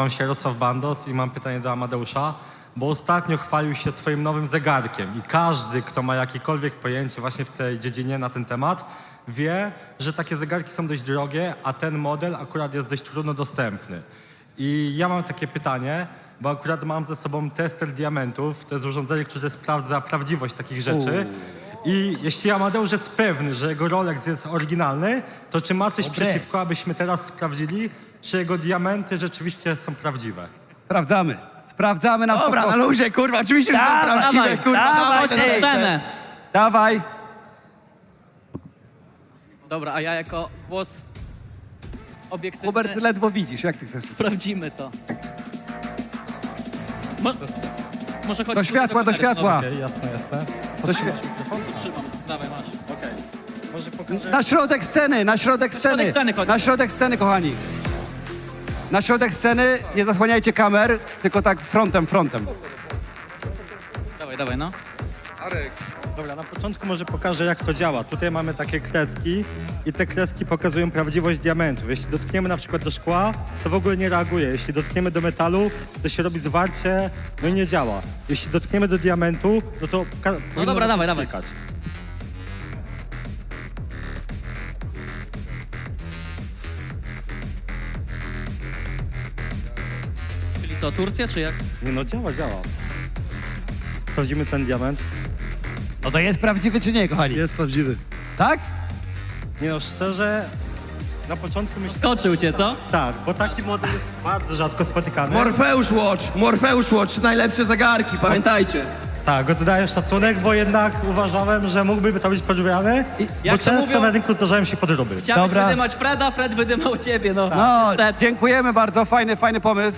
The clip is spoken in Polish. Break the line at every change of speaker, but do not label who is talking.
nazywam się Jarosław Bandos i mam pytanie do Amadeusza, bo ostatnio chwalił się swoim nowym zegarkiem i każdy, kto ma jakiekolwiek pojęcie właśnie w tej dziedzinie na ten temat, wie, że takie zegarki są dość drogie, a ten model akurat jest dość trudno dostępny. I ja mam takie pytanie, bo akurat mam ze sobą tester diamentów, to jest urządzenie, które sprawdza prawdziwość takich rzeczy. I jeśli Amadeusz jest pewny, że jego Rolex jest oryginalny, to czy ma coś przeciwko, abyśmy teraz sprawdzili, czy jego diamenty rzeczywiście są prawdziwe?
Sprawdzamy. Sprawdzamy na
Dobra, na luzie, kurwa, oczywiście, że są prawdziwe, kurwa, dawaj,
Chodź na scenę.
Dawaj.
Dobra, a ja jako głos obiektywny
Hubert, ty ledwo widzisz, jak ty chcesz?
sprawdzimy to. Może chodź
Do światła, do światła.
Okej, jasne, jasne.
Do świe-
Trzymam, dawaj, masz.
Okej. Może pokażę...
Na środek sceny, na środek sceny.
sceny chodź.
Na środek sceny, kochani. Na środek sceny, nie zasłaniajcie kamer, tylko tak frontem.
Dawaj, no.
Dobra, na początku może pokażę, jak to działa. Tutaj mamy takie kreski i te kreski pokazują prawdziwość diamentów. Jeśli dotkniemy na przykład do szkła, to w ogóle nie reaguje. Jeśli dotkniemy do metalu, to się robi zwarcie, no i nie działa. Jeśli dotkniemy do diamentu, no to... powinno
dobra,
zacząć
dawaj.
klikać.
Czyli to Turcja, czy jak?
Nie no, działa. Sprawdzimy ten diament.
No to jest prawdziwy czy nie, kochani?
Jest prawdziwy.
Tak?
Nie no, szczerze, na początku myślałem...
Skoczył cię, co?
Tak, bo taki model jest bardzo rzadko spotykany.
Morfeusz Watch, najlepsze zegarki, pamiętajcie.
Tak, oddaję szacunek, bo jednak uważałem, że mógłby to być podrobiony, bo
Jak to
często
mówią?
na rynku zdarzają się podroby.
Chciałeś
Dobra.
wydymać Freda, Fred wydymał ciebie, no.
No,
Niestety.
dziękujemy bardzo, fajny pomysł.